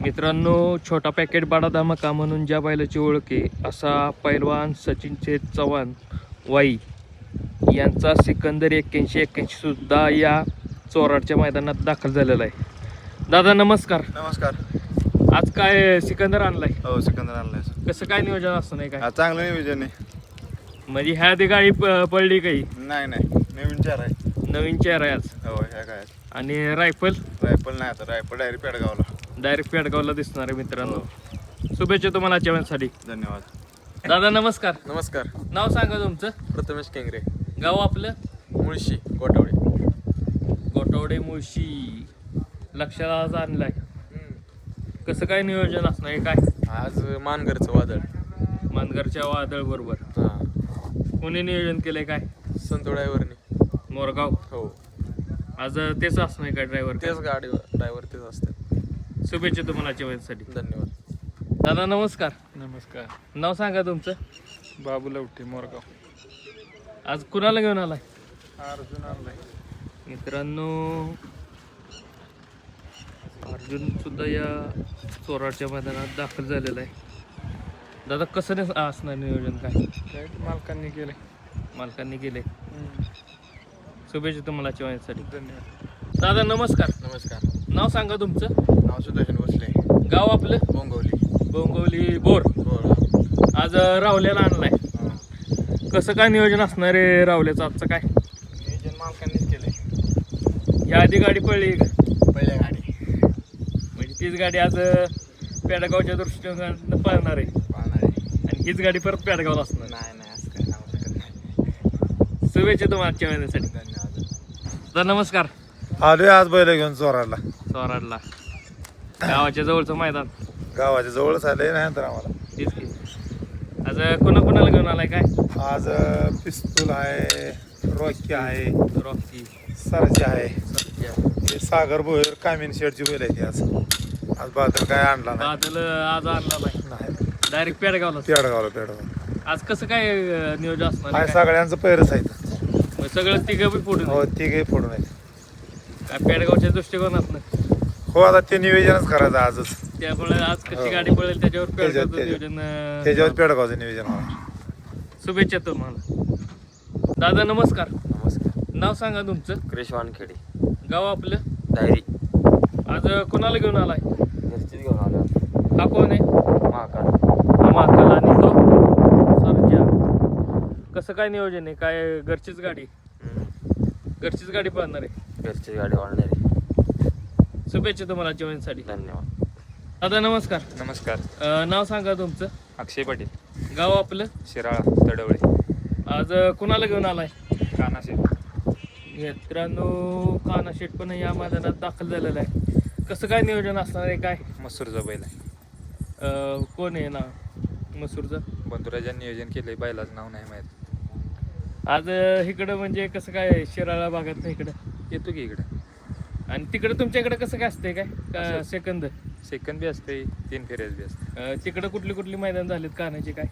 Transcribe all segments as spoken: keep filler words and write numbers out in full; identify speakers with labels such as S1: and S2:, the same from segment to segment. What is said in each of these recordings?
S1: मित्रांनो, छोटा पॅकेट बडा धमाका म्हणून ज्या बैलाची ओळख आहे असा पैलवान सचिन चेत चव्हाण वाई यांचा सिकंदर एक्क्याऐंशी एक्क्याऐंशी सुद्धा या चोराडच्या मैदानात दाखल झालेला आहे. दादा नमस्कार.
S2: नमस्कार.
S1: आज काय सिकंदर आणलाय?
S2: हो, सिकंदर आणलाय.
S1: कसं काय नियोजन असतं नाही काय?
S2: चांगलं नियोजन आहे.
S1: म्हणजे ह्या आधी गाडी प- पडली काही?
S2: नाही नाही नवीन चार आहे.
S1: नवीन चेहरा आहे आज.
S2: हो, ह्या काय
S1: आणि रायफल
S2: रायफल नाही, आता रायफल डायरेक्ट पेडगावला.
S1: डायरेक्ट पेडगावला दिसणार आहे. मित्रांनो शुभेच्छा तुम्हाला जेवणासाठी.
S2: धन्यवाद.
S1: दादा नमस्कार.
S3: नमस्कार.
S1: नाव सांगा तुमचं.
S3: प्रथमेश केंगरे,
S1: गाव आपलं?
S3: मुळशी, गोटावडे.
S1: गोटवडे मुळशी. लक्षात आज आणलाय. कसं काय नियोजन असणार आहे काय?
S3: आज मानगरचं वादळ.
S1: मानगरच्या वादळ बरोबर.
S3: हां,
S1: कोणी नियोजन केलंय काय?
S3: संतो ड्रायव्हरने.
S1: मोरगाव.
S3: हो,
S1: आज तेच असणार आहे का ड्रायव्हर?
S3: तेच गाडी ड्रायव्हर तेच असतात.
S1: शुभेच्छा तुम्हाला जेवणासाठी.
S3: धन्यवाद.
S1: दादा नमस्कार.
S3: नमस्कार.
S1: नाव सांगा तुमचं.
S3: बाबू लवटे, मोरगाव.
S1: आज कुणाला घेऊन आलाय?
S3: अर्जुन आणलाय.
S1: मित्रांनो, अर्जुन सुद्धा या चोराडच्या मैदानात दाखल झालेला आहे. दादा कसं नाही असणार नियोजन काय?
S3: काय मालकांनी केले.
S1: मालकांनी केले. शुभेच्छा तुम्हाला जेवणासाठी.
S3: धन्यवाद.
S1: दादा नमस्कार.
S3: नमस्कार.
S1: नाव सांगा तुमचं.
S3: नाव सुदर्शन भोसले,
S1: गाव आपलं?
S3: बोंगवली.
S1: बोंगवली बोर.
S3: बोर.
S1: आज रावल्याला आणलाय.
S3: हां,
S1: कसं काय नियोजन असणार आहे रावल्याचं आजचं काय?
S3: नियोजन मालकांनीच केले.
S1: या आधी गाडी पडली का?
S3: पहिल्या गाडी
S1: म्हणजे तीच गाडी आज पेडगावच्या दृष्टीने पळणार आहे
S3: पाहणार आहे.
S1: आणि हीच गाडी परत पेडगावला असणार.
S3: नाही नाही असं काय सांगू शकत नाही.
S1: शुभेच्छा तुम्हाला जेवणासाठी.
S3: धन्यवाद.
S1: दादा नमस्कार.
S2: आलोय आज बैल घेऊन चोराडला.
S1: चोराडला गावाच्या जवळचं मैदान.
S2: गावाच्या जवळच आले नाही तर आम्हाला.
S1: तीच की. आज कोणा कोणाला घेऊन आलाय काय?
S2: आज पिस्तूल आहे, रॉकी आहे,
S1: रॉकी,
S2: सरजी आहे,
S1: सत्या,
S2: हे सागर भोयर, कामिन शेडची बैल आहे ती. आज आज बादल काय आणला नाही.
S1: बादल आज आणला नाही.
S2: नाही,
S1: डायरेक्ट पेडगावला.
S2: पेडगावला पेडगाव.
S1: आज कसं काय अं, नियोजन असणार
S2: आहे
S1: आहे काय?
S2: सगळ्यांचं पैरच आहे.
S1: मग सगळं तिघं बी फोडून
S2: हो, तिघे फोडून आहे.
S1: काय पेडगावच्या दृष्टिकोनातनं
S2: हो, आता ते नियोजनच करायचं आजच.
S1: त्यामुळे आज कशी
S2: हो.
S1: गाडी पडेल त्याच्यावर
S2: त्याच्यावर-
S1: पेडगावचं नियोजन अं,
S2: त्याच्यावर पेडगावचं नियोजन होणार.
S1: शुभेच्छा तुम्हाला. दादा नमस्कार.
S3: नमस्कार.
S1: नाव सांगा तुमचं.
S3: क्रिश वानखेडे,
S1: गाव आपलं?
S3: डायरी.
S1: आज कोणाला घेऊन आलाय?
S3: घरचीच घेऊन आलो.
S1: हा कोण आहे?
S3: महाकाल.
S1: हा महाकाल. आणि तो सरजा. कसं काय नियोजन आहे काय? घरचीच गाडी? घरचीच गाडी पाहणार आहे.
S3: घरची गाडी वाढणारी.
S1: शुभेच्छा तुम्हाला जेवणासाठी.
S3: धन्यवाद.
S1: दादा नमस्कार.
S3: नमस्कार.
S1: अं, नाव सांगा तुमचं.
S3: अक्षय पाटील,
S1: गाव आपलं?
S3: शिराळा, तडवळे.
S1: आज कुणाला घेऊन आलाय?
S3: कानाशे.
S1: मित्रांनो, काना शेट पण या मैदानात दाखल झालेला आहे. कसं काय नियोजन असणार आहे काय?
S3: मसूरचा बैल आहे.
S1: अं, कोण आहे ना मसूरचं?
S3: बंधुराजांनी नियोजन केलंय, बैलाचं नाव नाही माहीत.
S1: आज अं, इकडं म्हणजे कसं काय शिराळा भागात नाही इकडं
S3: येतो की इकडे.
S1: आणि तिकडं तुमच्या इकडं कसं काय असतंय काय का
S3: असं.
S1: सेकंद?
S3: सेकंद बी असते, तीन फेऱ्याच बी असते.
S1: अं, तिकडं कुठली कुठली मैदान झालीत कानाची काय?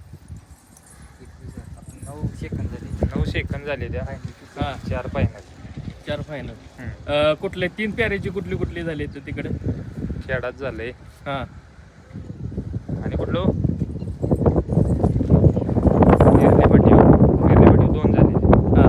S3: नऊ सेकंद झाले. नऊ सेकंद झाले त्या.
S1: हां,
S3: चार फायनल.
S1: चार फायनल. कुठले तीन प्यारेची कुठली कुठली झाली तर तिकडं?
S3: खेळात झालंय.
S1: हां,
S3: आणि कुठलं गिरलेपाटी गिरलेपाटी दोन झाले.
S1: हां.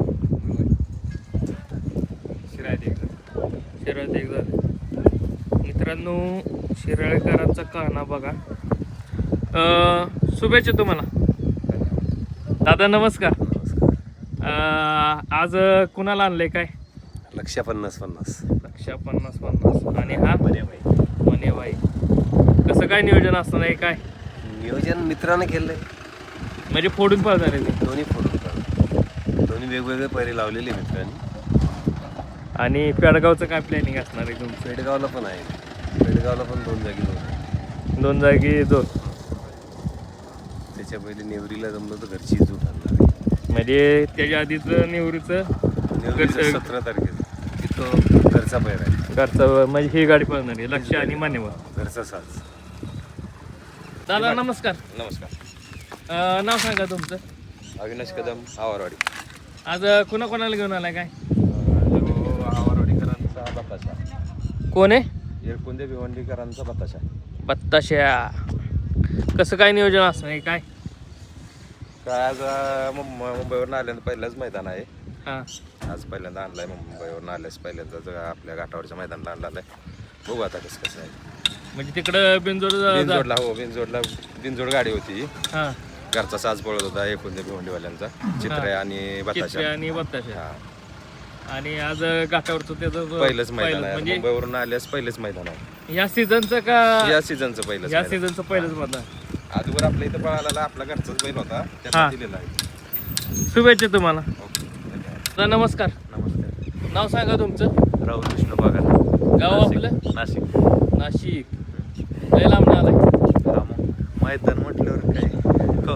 S3: शिरायत एक झालं.
S1: शिराळ्यात एक झालं. मित्रांनो, शिराळेकरांचा काना बघा. अं, शुभेच्छा तुम्हाला. दादा नमस्कार. अं, आज कुणाला आणलंय काय?
S4: लक्ष पन्नास पन्नास
S1: लक्षा पन्नास पन्नास. आणि हा मनेबाई. कसं काय नियोजन असणार आहे काय?
S4: नियोजन मित्रानं केलंय.
S1: म्हणजे फोडून पळणार आहे ते.
S4: दोन्ही फोटो दोन्ही वेगवेगळे पैरे लावलेले मित्रांनी.
S1: आणि पेडगावचं काय प्लॅनिंग असणार आहे तुमचं?
S4: पेडगावला पण आहे. पेडगावला पण दोन जागी दोन
S1: दोन जागी दोन.
S4: त्याच्या पहिले नेवरीला जमलं तर घरची जूट आणणार आहे.
S1: म्हणजे त्याच्या आधीच निवृत्तीचं
S4: नेवरीचं
S1: घरचं-
S4: सतरा तारखेला तिथं घरचा पैर आहे.
S1: घरचं म्हणजे ही गाडी पळणार आहे. लक्ष आणि मान्यवर.
S4: घरचा साज.
S1: दादा नमस्कार.
S4: नमस्कार.
S1: अं, नाव सांगा तुमचं.
S4: अविनाश कदम, आवारवाडी.
S1: आज कुणा कोणाला घेऊन आलाय काय?
S4: आवारवाडीकरांचा बापाचा
S1: कोण आहे?
S4: एरकुंदे भिवंडीकरांचा बताशा.
S1: बत्ताशा. कसं काय नियोजन असणार आहे काय?
S4: काय आज अं, मुंबई मुंबईवरून आल्यानं पहिलंच मैदान आहे.
S1: हां
S4: आज पहिल्यांदा आणलाय मुंबईवरून आल्यास पहिल्यांदा ज- आपल्या घाटावरच्या मैदानाला आणलाय. बघू आता कसं कसं आहे.
S1: म्हणजे तिकडं बिंजोड
S4: बिनजोडला हो बिनजोडला बिनजोड गाडी होती.
S1: हां
S4: घरचा साज पळत होता एरकुंदे भिवंडीवाल्यांचा चित्र आणि
S1: चित्रे
S4: बताशा.
S1: आणि बत्ताशा.
S4: हा
S1: आणि आज घाटावरचं त्याचं
S4: पहिलंच मैदान आहे.
S1: म्हणजे
S4: मुंबईवरून आल्यास पहिलेच मैदान आहे.
S1: ह्या सीझनचं का
S4: या सीझनचं पहिलंच
S1: ह्या
S4: मैदान.
S1: सीझनचं पहिलंच मतदान.
S4: आजवर आपल्या इथं पळाला आपला घरचाच बैल होता
S1: हा.
S4: त्याला दिलेला आहे.
S1: शुभेच्छा तुम्हाला.
S4: ओके धन्यवाद.
S1: दादा नमस्कार.
S4: नमस्कार.
S1: नाव सांगा तुमचं.
S4: राहुल कृष्ण बागार.
S1: गाव आपलं
S4: नाशिक.
S1: नाशिक. लय लांब आलाय.
S4: मैदान म्हटल्यावर काय हो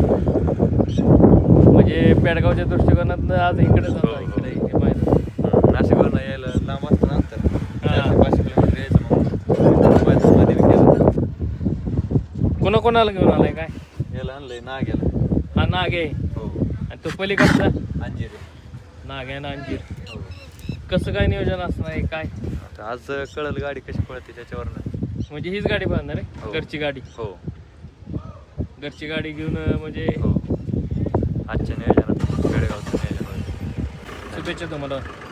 S1: म्हणजे पेडगावच्या दृष्टिकोनात आज इकडे
S4: हो,
S1: जातो
S4: हो.
S1: इकडे हे मैदान.
S4: नाशिकवरून यायला लांब असतं नंतर
S1: हा.
S4: पाचशे किलोमीटर यायचं मग मैदानमध्ये बी केलं.
S1: कोणा कोणाला घेऊन आलाय काय?
S4: याला आणलंय ना गेला.
S1: हा नाग आहे
S4: हो
S1: आणि तो पलीकडचा
S4: अंजिरे.
S1: नाग आहे ना अंजीर.
S4: हो
S1: कसं काय नियोजन असणार आहे काय?
S4: आता आज कळल गाडी कशी पळते त्याच्यावरनं.
S1: म्हणजे हीच गाडी बांधणार आहे
S4: हो.
S1: घरची गाडी.
S4: हो
S1: घरची गाडी घेऊन अं, म्हणजे
S4: हो आजच्या नियोजनात पेडगावचं नियोजन होईल.
S1: शुभेच्छा तुम्हाला.